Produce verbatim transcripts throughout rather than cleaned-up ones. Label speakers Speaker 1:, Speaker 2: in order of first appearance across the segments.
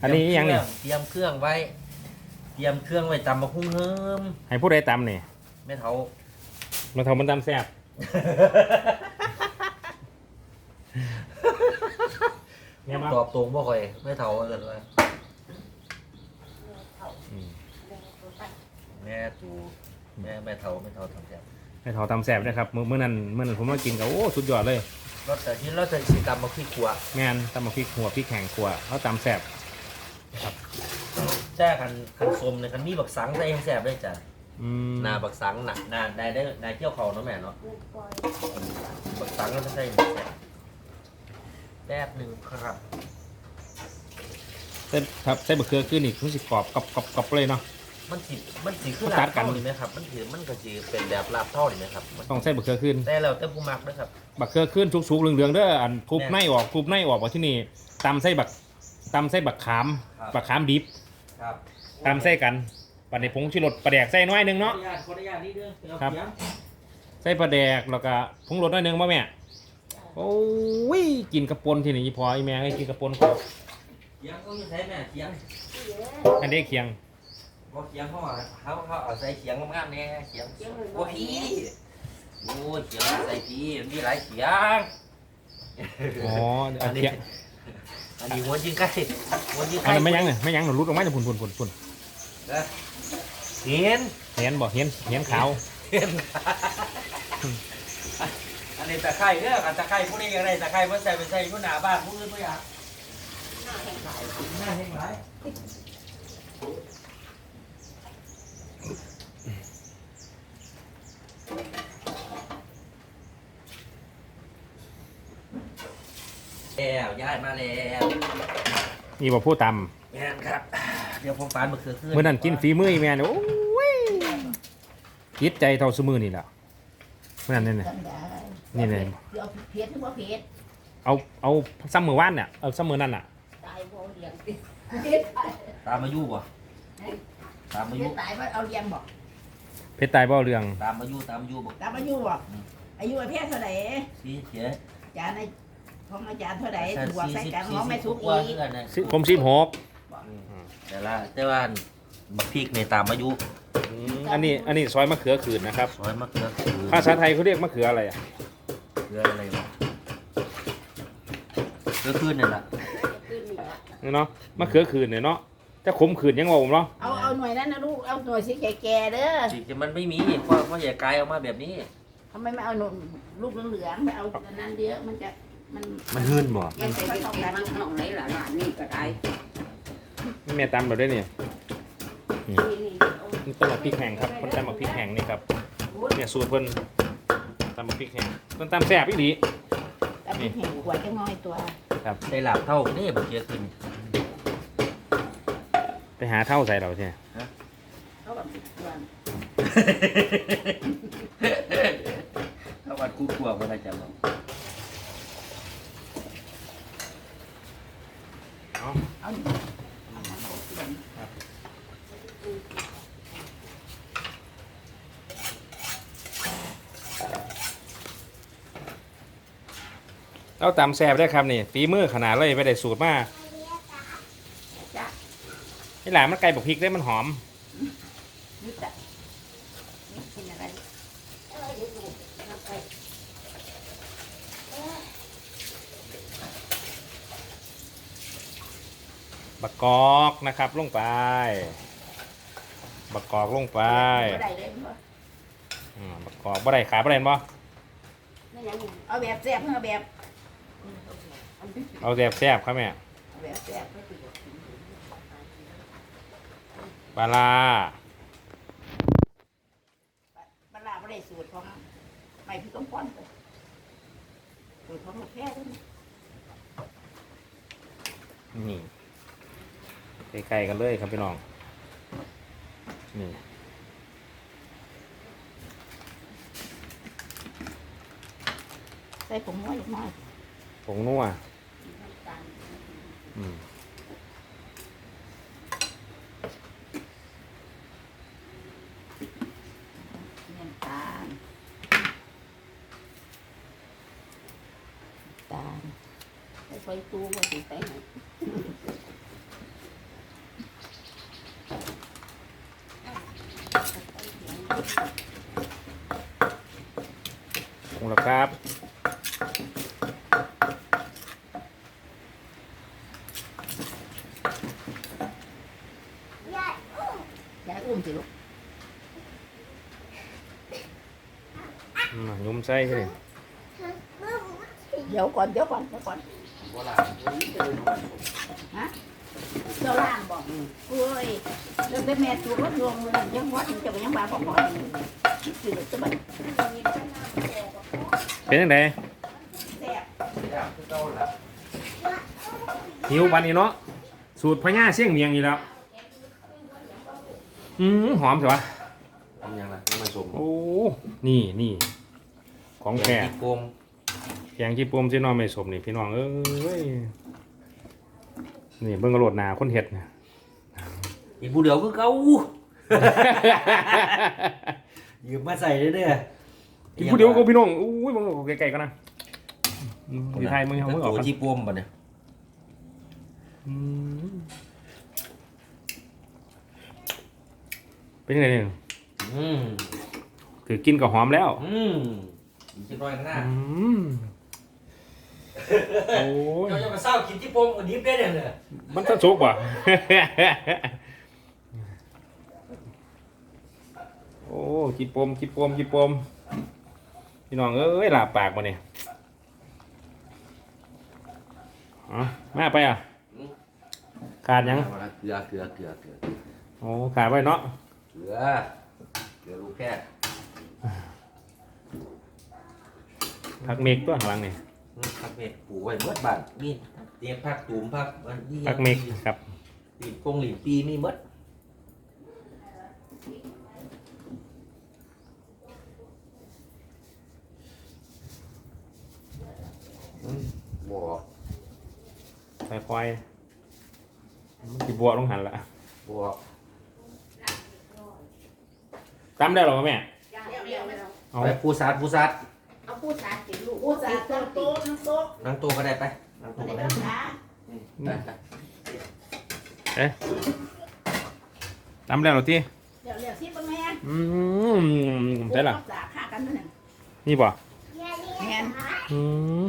Speaker 1: อันนี้ยังเนี่ย
Speaker 2: เตรียมเครื่องไว้เตรียมเครื่องไว้ตำมะคุ้งเฮิม
Speaker 1: ให้ผู้ใดตำนี่
Speaker 2: แม่เฒ่า
Speaker 1: มาทำมันตำแซ่บเนี่ยมา
Speaker 2: ตอบตรงบ่ค่อยแม่เฒ่าเอิ้นว่าแม่ตูแม่แม่เฒ่าแม่เฒ่าทำแซ่บ
Speaker 1: ให้เขาตำแซ่บนะครับมื้อมื้อนั้นมื้อนั้นผมมากินกับโอ้สุดยอดเลย
Speaker 2: รสแต่ที่เราจะสิตำมะพริกขัว
Speaker 1: แม่นตำมาพริกหัวพริกแข็งขัวเขาตำแซ่บ
Speaker 2: แจ้คันคันส้มเนี่ยคันมีบักสังใส่แซ่บได้จ้ะ
Speaker 1: อืม
Speaker 2: หน้าบักสังน่ะหน้าได้ได้ได้เกี่ยวเขาเนาะแม่เนาะบักสังก็จะใส่แซ่บแป๊บหนึงครับ
Speaker 1: เส้นครับเส้นบะเขือขึ้นอีกรู้สึกกรอบกรอบกรอบกรอบเลยเนาะ
Speaker 2: มันสิมันสิคือ
Speaker 1: มัน
Speaker 2: ลา
Speaker 1: ตั
Speaker 2: บ
Speaker 1: ดกัน
Speaker 2: เท่านี่ไหมครับมันสิมันก็สิเป็นแบบลาบเท่านี่ไหมครับมัน
Speaker 1: ต้องเส้นบะเขือขึ้น
Speaker 2: แต่แล้วแต่ผู้มักนะครับ
Speaker 1: บะเขือขึ้นสุกๆเหลืองๆเด้ออันทุบ
Speaker 2: แม่
Speaker 1: ในออกทุบในออกว่าที่นี่ตำไส้บักตำไส้บักขาม
Speaker 2: ครับ
Speaker 1: บักขามดิบ
Speaker 2: ครับ
Speaker 1: ตำไส้กันปันในผงชูรสปลาแดกใส่น้อยหนึงเนาะ
Speaker 2: ขออนุญาตขออนุญาตนิดนึงเอา
Speaker 1: ครับ
Speaker 2: เสียง
Speaker 1: ใส่ปลาแดกแล้วก็ผงรสน้อยหนึงป่ะแม่โอ้ยกินกระปนที่นี่พอไอแม่ให้กินกระปนเขา
Speaker 2: เสียงก็อยู่ใช้แม่เสียง
Speaker 1: อันนี้เคียง
Speaker 2: บ่เสียงเขาว่าเขาเขาเอาใส่เสียงงามๆแน่เสียงโอ้พี่โอ้ยเสียงใส่พี่มันมีหลายเสียง
Speaker 1: อ๋อ
Speaker 2: อั
Speaker 1: เอา
Speaker 2: นนี้
Speaker 1: เคียง
Speaker 2: อันนี้หัวยิงไก่หัวยิง
Speaker 1: อัน
Speaker 2: ไก่
Speaker 1: นั้นไม่ยั้งเนี่ยไม่ยั้งหนูรุดออกมาจากพุ่นพุ่นพุ่นพุ่น
Speaker 2: นะเห็น
Speaker 1: เห็นบ่เห็นเห็นขาว
Speaker 2: เห็นอันนี้ตะไคร้เด้อกันตะไคร้ผู้นี้ยังไงตะไคร้เพิ่นใส่ไปใส่ผู้หน้าบ้านผู้อื่นบ่อยากหน้าแห้งหลายแล้วย้ายมาแล้ว
Speaker 1: นี่บ่ผู้ต
Speaker 2: แม่นครับ เดี๋ยวผมฟานมะเขือขึ้น
Speaker 1: ำเมื่อนั้นกินฝีมืออีแม่เนี่ยโอ้ยคิดใจเท่าสมือนี่แหละเมื่อนั้นเนี่ย นี่เลย
Speaker 3: เดี๋ยวเพชรนึกว่าเพชร
Speaker 1: เอาเอาซ้ำมือว่านเนี่ยเอาซ้ำมือนั่นน่ะ
Speaker 3: ตายบ่เลี้ยงติเพชรตาย
Speaker 2: ตามมายุบ่ตามมา
Speaker 3: เพ
Speaker 2: ยุ
Speaker 3: ชรตายว่าเอาเลี้ยงบ่
Speaker 1: เพชรตายบ่เรื่อง
Speaker 2: ตามมายุตามมายุบ่
Speaker 3: ตามอายุบ่อายุไอ้เพชรเท่าไหร่
Speaker 2: สี่เสีย
Speaker 3: อาจารย์ในของอาจารย์เท่าไหร่
Speaker 2: แต่
Speaker 3: บวก
Speaker 2: สี่
Speaker 3: ใส่
Speaker 2: สิบ
Speaker 3: กัน
Speaker 2: สี่
Speaker 3: ของ
Speaker 2: สิ
Speaker 3: ไม่
Speaker 2: บ
Speaker 3: สุก
Speaker 2: กว่า
Speaker 3: อีก
Speaker 2: เพื่อนนะ
Speaker 1: สิผมสิบหก
Speaker 2: แต่ละแต่ว่าบักพริกในตามมายุ
Speaker 1: อันนี้อันนี้ซอยมะเขือขืนนะครับ
Speaker 2: ซอยมะเขือคือ
Speaker 1: ภาษาไทยเขาเรียกมะเขืออะไรอ่ะ
Speaker 2: เขืออะไรวะเขือขึ้นนี่แหละ
Speaker 1: เนาะมะเขือขืนเนี่ยเนาะแต่ขมขืนยังงงเนาะ
Speaker 3: เอาเอาหน่วยนั้นนะลูกเอาหน่วยสีแก่ๆเด้อ
Speaker 2: จริงๆมันไม่มีเพราะเพราะอย่ากลายออกมาแบบนี้
Speaker 3: ทำไมไม่เอาหน่วยลูกเหลืองๆไม่เอาอันนั้นเดียวมันจะมัน
Speaker 2: มันหื่นบ่
Speaker 3: มันใส่ไปเท่ากัน
Speaker 4: มันขนมไหนล่ะหลานนี่ก็ได้
Speaker 1: แม่ตำเราด้วยเนี่ย
Speaker 3: นี่นี่เอา
Speaker 1: นี่ต้นหมกพริกแห้งครับคนตำหมกพริกแห้งนี่ครับเนี่ยสูตรเพิ่นตำหมกพริกแห้งเพิ่นตำแซ่บอีหลี
Speaker 3: แล้วมีแห่งขวดจะง่อยตัว
Speaker 1: ครับ
Speaker 2: ได้หลาบเท่านี่บักเขือขึ้น
Speaker 1: ไปหาเท่าใส่เราใช่ไหม
Speaker 3: เขาแบบตัว
Speaker 2: ถ้าวันกูกลัวก็ได้จะบอก
Speaker 1: เอา
Speaker 3: เอาหน่อยเอาน้ำเขาเปลี่ยน
Speaker 1: เราตำแซ่บได้ครับนี่ฝีมือขนาดเลยไปได้สูตรมา
Speaker 3: จ้ะ
Speaker 1: ไอ้หลานมันไก่บักพริกได้มันหอม
Speaker 3: นึกแต่นี่กินอะไร
Speaker 1: บักกอกนะครับลงไป บักกอกลงไป
Speaker 3: บ่ได้เลยบ่
Speaker 1: อืมบักกอกบ่ได้ขาบ่ได้บ่
Speaker 3: นั่นยังเอาแบบแซ่บเอาแบบ
Speaker 1: เอาแซ่บแซ่บครับแม่
Speaker 3: เอาแบบแซ่บ
Speaker 1: ปลาร้า
Speaker 3: ปลาร้าบ่ได้สูตรของไม่พี่ต้องป้อนเลยสูตรของลูกแพ้ด้วยนะ
Speaker 1: นี่ใกล้ๆกันเลยครับพี่น้องนี่
Speaker 3: ใส่ผงน้อยเล็กน้อย
Speaker 1: ผงนัวอืม
Speaker 3: น้ำตาลตาลใส่ไฟตู้บ่สิใส่ไหน
Speaker 1: ปรุงแล้วครับ
Speaker 3: ยายอุ้มสิลูก
Speaker 1: อืมยุ่มใส่เลย
Speaker 3: เดี๋ยวก่อนเดี๋ยวก่อนเดี๋ยวก่อน
Speaker 2: บ่ล่ะ
Speaker 3: ฮะเจ้าล่างบอกโอ้ยเรื่องแต่แม่ถูกรถลวงเลยยังวัดจะไปยังบ้าของพ่อคือจะแบบ
Speaker 1: เป็นยังไง
Speaker 3: แซ่บ
Speaker 2: อยากคือเก่าล่ะ
Speaker 1: หิววันนี้เนาะสูตรพญาเสี่ยงเมียงอีกแล้วอืมหอมใช่ปะ
Speaker 2: ทำยังล่ะน้ำมันสม
Speaker 1: โอ้นี่นี่ของแท้
Speaker 2: ที่โกง
Speaker 1: แกงขี้ปมที่น้องไม่สมนี่พี่น้องเอ้ยนี่เบิ่งกระโดดหนาคนเห็ดเนี่ย
Speaker 2: อีกผู้เดียวคือเก่ายืมมาใส่เด้อ
Speaker 1: กินผู้เดียวก็พี่น้องอุ้ยมึงไกลๆกันนะอยู่ไทยมึงเอามึงออก
Speaker 2: ตัว
Speaker 1: กัน
Speaker 2: ที่ปมบ่เนี่ย
Speaker 1: อืมเป็นยังไงเนี่ย
Speaker 2: อืม
Speaker 1: ถือกินก็หอมแล้ว
Speaker 2: อืมอีกจักหน่อยข้างหน้า
Speaker 1: อืมโอ้ย
Speaker 2: เจ้าจะมาเศร้ากินที่ปมกับดิบได้เนี่ย
Speaker 1: มันจะสุกว่ะ โอ้กินปมกินปมกินปมพี่น้องเอ้ยหลาบปากมาเนี่ยอ๋อมาไปอ่ะขาดยัง
Speaker 2: เกลือเกลือเกลือเกลือ
Speaker 1: โอ้ขาดไว้เนาะ
Speaker 2: เกลือเกลือลูกแค่
Speaker 1: ผักเมกตัวข้างหลังนี่
Speaker 2: ผักเม็ดปลูกไว้เมื่อบ้านมีเตรียมผักตูมผักวันนี้
Speaker 1: ผักเมกครับ
Speaker 2: หลีปงหลีปีมีเมื่อบอก
Speaker 1: ค่อยๆมันสิบัวลงหันละ
Speaker 2: บอก
Speaker 1: ตำได้หรอแม่
Speaker 3: เดี๋ยวเดี๋ยวเดี๋ยว
Speaker 1: เอา
Speaker 2: ไปปูซัดปูซัด
Speaker 3: เอาพูดสาสิลูกพูดสาโต๊ะโต๊ะนั่งโต๊ะ
Speaker 2: นั่งตัวก็ได้ไปนั่งตัว
Speaker 3: อะไร
Speaker 2: ก็ได้
Speaker 3: กันนะ
Speaker 2: อืมได้ได้
Speaker 1: เอ๊ะตำได้หรอที่
Speaker 3: เดี๋ยวเดี๋ยวสิบแม่
Speaker 1: อืมได้หรอ
Speaker 3: สาฆ่ากันนั่นน่ะ
Speaker 1: นี่ป่ะ
Speaker 3: แม่น
Speaker 1: อืม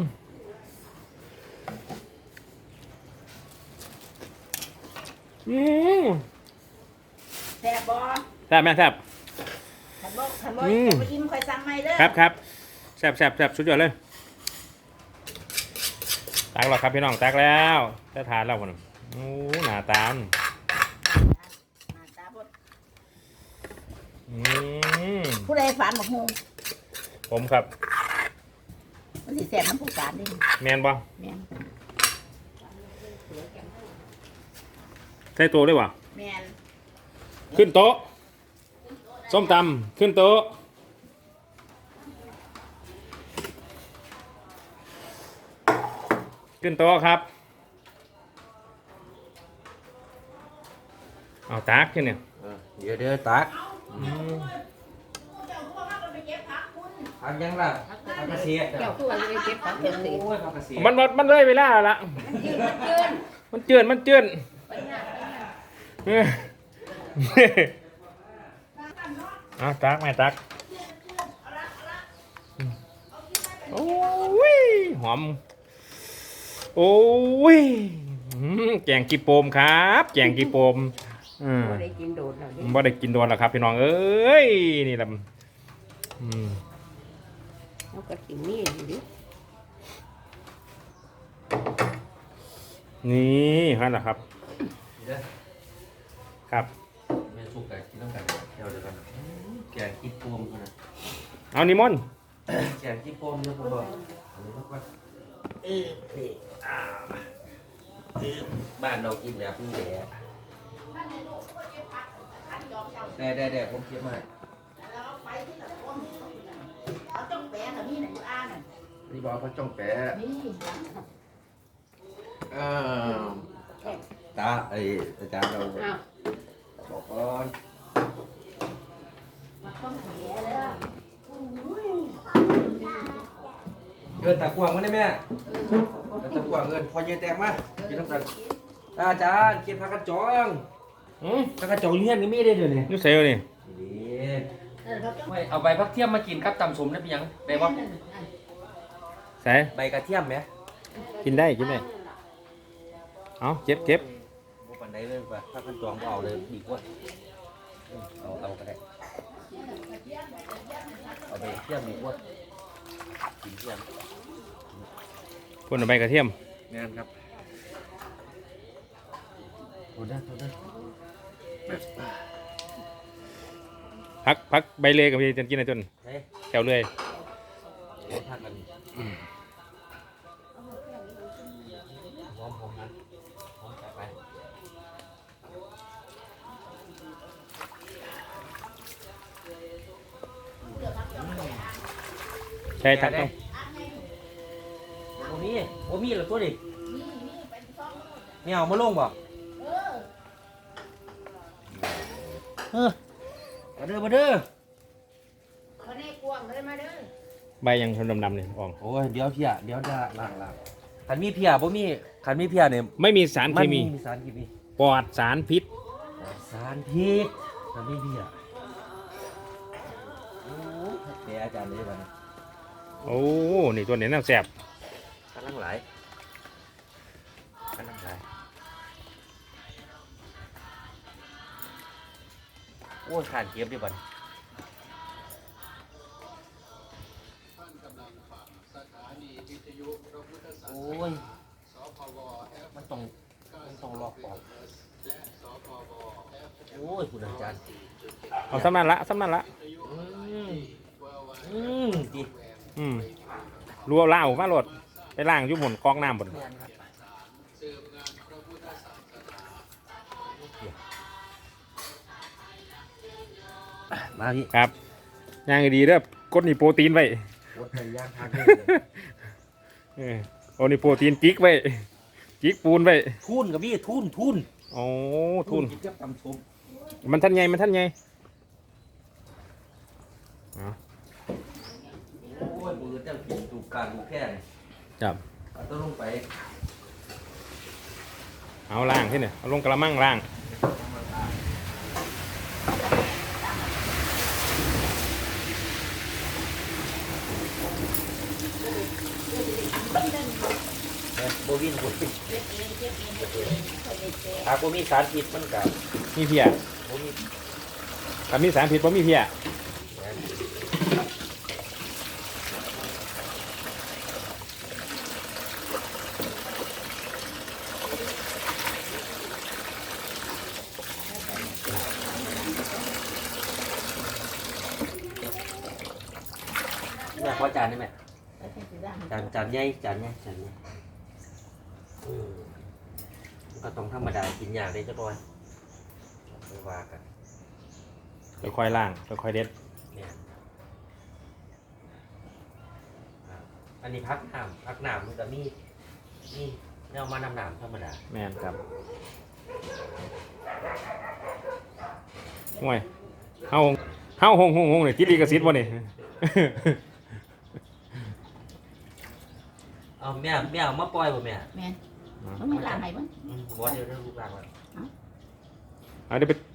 Speaker 1: อืม
Speaker 3: แซ่บบ่
Speaker 1: แซ่บแม่แซ่บ
Speaker 3: ขันบ่ขันบ่
Speaker 1: อืม
Speaker 3: ไปอิ่มค่อยสั่งใหม่เด้อ
Speaker 1: ครับครับแซ่บแซ่บแซ่บสุดยอดเลยตักแล้วครับพี่น้องตักแล้วจะทานแล้วคนโอ้หน้าตาล
Speaker 3: หน้าตาบ่
Speaker 1: อืม
Speaker 3: ผู้ใดฝันบอกฮู้
Speaker 1: ผมครับ
Speaker 3: มันสิแซ่บน้ำผู้การเด้
Speaker 1: แมนบ่
Speaker 3: แม่น
Speaker 1: ใส่ตัวด้วยวะ
Speaker 3: แม่น
Speaker 1: ขึ้นโต๊ะส้มตำขึ้นโต๊ะขึ้นโต๊ะครับเอาตากขึ้นเนี่ย
Speaker 2: เออเดี๋ยวเดี๋ยวตัก
Speaker 1: อืม
Speaker 3: เจ้าพวกมันไปเก็บผักคุณ
Speaker 2: ผักยังล่ะผักกระเสียด
Speaker 4: เจ้าตัวเลยเก็บผัก
Speaker 2: โ
Speaker 4: เก็บสี
Speaker 2: อ้ยผักกระเสียด
Speaker 1: มันมันมันเลยเวลาละ
Speaker 4: มันยืนมันยืน
Speaker 1: มันเจือนมันเจือน
Speaker 4: ไปหน้าไปหน้า
Speaker 1: เออเอาตักแม่ตักโอ้ยหอมโอ้ยอืมแกงกีโปมครับแกงกีโปมอืม
Speaker 4: บ่ได้กินโดดแล้วเด้
Speaker 1: บ่ได้กินโดนแล้วครับพี่น้องเอ้ยนี่แหละอืม
Speaker 4: เขาก็กินนี่อยู่ดิ
Speaker 1: นี่ฮะนะครับ
Speaker 2: เดี๋ยว
Speaker 1: ครับ
Speaker 2: แม่สุกไก่กินน้ำไก่เดี๋ยวเดี๋ยวกันแกงกินปมกันนะ
Speaker 1: เอานิมนต์
Speaker 2: แกงกินปมเนี่ยผมบอกอันนี้มันก็เออนี่อ่าเออบ้านเรากินแบบนี้แหละได้ได้ได้ผมคิดมา
Speaker 3: แล้วไปที่ละคนเอาต้องแปะกับนี่น่ะอยู่อ่านน่ะ
Speaker 2: นี่บอกเขาจ้องแปะ
Speaker 3: นี่
Speaker 2: อ้าวตาไอ้อาจารย์เรา
Speaker 4: อ้าว
Speaker 2: บอกก่อน
Speaker 3: มาต้องแปะเด้อ
Speaker 2: เงินตะกวางมาได้ไหมเงินตะกวางเงินพอเยอะแตกมากินน้ำกันอาจารย์กินผักกระจอง
Speaker 1: อืม
Speaker 2: ผักกระจองอยู่เฮียนก็มีได้เดี๋ยวนี้
Speaker 1: อยูเซลนี่
Speaker 2: นี่
Speaker 3: เออเราต้อง
Speaker 2: ไม่เอาใบพักเทียมมากินครับตำสมได้เป็นหยังได้บ่
Speaker 1: ใส่
Speaker 2: ใบกระเทียมไหม
Speaker 1: กินได้กินได้เอาเจ็บเจ็บ
Speaker 2: บ่ปานใดเลยว่าถ้าขั้นจองบ่เอาเลยดีกว่าอืมเอาเอาก็ได้เอาใบกระเทียมดีกว่ากินเทียม
Speaker 1: พ่นเอาใบกระเทียม
Speaker 2: งานครับโทษนะโทษนะ
Speaker 1: พักพักใบเลยกับพี่จนกินอะไรจน
Speaker 2: เฮ้ย
Speaker 1: แถวเลย
Speaker 2: เดี๋ยวพักกันหอมผมนะหอมไปไป
Speaker 1: ใช่ทักต้อง
Speaker 2: โอ้มีโอ้มีเหรอตัวดิไม่เอามาลงบ่เออมาเด้อมาเด้อ
Speaker 3: เขาในกวางเลยมาเด้อ
Speaker 1: ใบยังทนดำๆเนี่ยออง
Speaker 2: โอ้ยเดี๋ยวเพียเดี๋ยวจะล้างล้างขันมีเพียบ่มีขันมีเพียเนี่ย
Speaker 1: ไม่มีสารเคมี
Speaker 2: มีสารเคมี
Speaker 1: ปลอดสารพิษ
Speaker 2: สารพิษขันมีเพียโอ้เดี๋ยวอาจารย์เลยบ้าง
Speaker 1: โอ้นี่ตัวนี้น่าแสบ
Speaker 2: กำลังไหลกำลังไหลโอ้ยขาดเก็บดิบันโอ้ยมันต้องมันต้องลอกปอกโอ้ยคุณอาจารย์
Speaker 1: เอาซ้ำนั่นละซ้ำนั่นละ
Speaker 2: อืมอืมดี
Speaker 1: อืมรัวล่าวมาโหลดไปล่างอยุ่หมุนกองน้ำบน
Speaker 2: แม่นครับอ่ะมาพี่
Speaker 1: ครับย่างให้ดีเด้อกดนี่โปรตีนไว้
Speaker 2: วดไปย่างทางเลย
Speaker 1: เออโอ้นี่โปรตีนจิกไว้จิกปูนไว้
Speaker 2: ทุนกับพี่ทุนทุน
Speaker 1: โอ้ทุน
Speaker 2: กินกับตำส้ม
Speaker 1: มันท่านไงมันท่านไง
Speaker 2: โอ้ยมือเจ้ากินดูการดูแค่นี้
Speaker 1: จับ
Speaker 2: เอาต้องลงไป
Speaker 1: เอาล่างที่เนี่ยเอาลงกระมังล่าง
Speaker 2: เอ้ยโบวินบุตรถ้าโบมีสารพิษมันกับ
Speaker 1: มีเพีย
Speaker 2: โบมี
Speaker 1: ถ้ามีสารพิษบ่มีเพีย
Speaker 2: แม่ขอจานได้ไหม
Speaker 3: ไปเป็นสีดำ
Speaker 2: จานจานใหญ่จานใหญ่จานใหญ่อืมก็ต้องธรรมดากินยากเลยเจ้าบอยไม่ว่ากัน
Speaker 1: ค่อยๆล่างค่อยๆเด็ด
Speaker 2: เนี่ยครับอันนี้พักน้ำพักน้ำมันจะมีนี่แนวมานำน้ำธรรมดา
Speaker 1: แม่นครับห่วยเฮาเฮาหงหงหงเนี่ยคิดดีกับซิดบ่เนี่ย
Speaker 2: เอาแม่แม่เอามาปล่อยบ่แม่
Speaker 3: แม่นมันไม่ลาไหนบ้าง
Speaker 2: อืมบ่เดี๋ยวเดี๋ยวลูกหลานว่า
Speaker 1: เอาเดี๋ยวไป